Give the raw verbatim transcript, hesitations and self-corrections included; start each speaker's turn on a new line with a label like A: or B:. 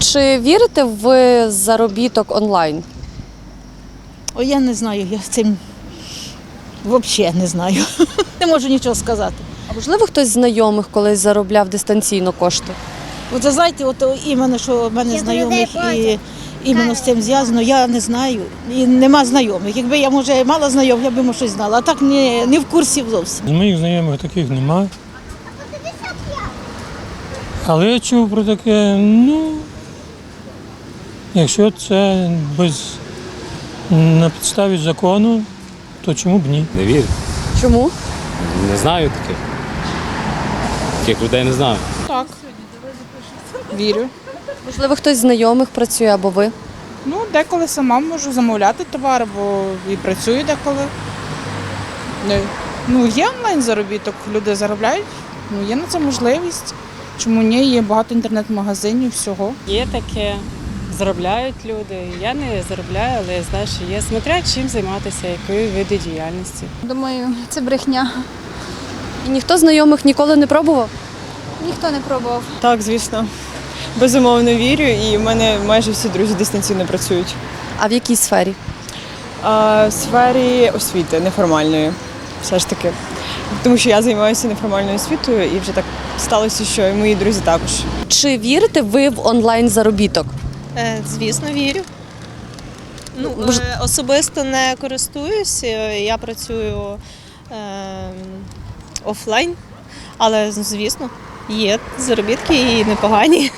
A: Чи вірите в заробіток онлайн?
B: О, я не знаю, я цим взагалі не знаю. Не можу нічого сказати.
A: А можливо, хтось з знайомих колись заробляв дистанційно кошти?
B: От ви знаєте, от іменно, що в мене знайомих і іменно з цим зв'язано, я не знаю. І нема знайомих. Якби я, може, мала знайомих, я б може щось знала. А так не, не в курсі зовсім.
C: З моїх знайомих таких нема. Але я чув про таке, ну, якщо це без, на підставі закону, то чому б ні?
D: Не вірю.
A: Чому?
D: Не знаю таких. Таких людей не знаю.
E: Так, вірю.
A: Можливо, хтось з знайомих працює або ви?
E: Ну, деколи сама можу замовляти товар, бо і працюю деколи. Не. Ну, є онлайн заробіток, люди заробляють, ну, є на це можливість. Чому ні? Є багато інтернет-магазинів, всього.
F: Є таке, заробляють люди. Я не заробляю, але я знаю, що є. Смотря чим займатися, якою види діяльності.
G: Думаю, це брехня.
A: І ніхто з знайомих ніколи не пробував?
G: Ніхто не пробував.
H: Так, звісно. Безумовно вірю, і в мене майже всі друзі дистанційно працюють.
A: А в якій сфері?
H: А в сфері освіти неформальної, все ж таки. Тому що я займаюся неформальною освітою, і вже так сталося, що і мої друзі також.
A: Чи вірите ви в онлайн заробіток?
I: Е, Звісно, вірю. Ну,
A: Мож-
I: е, особисто не користуюсь, е, я працюю е, офлайн, але, звісно, є заробітки і непогані.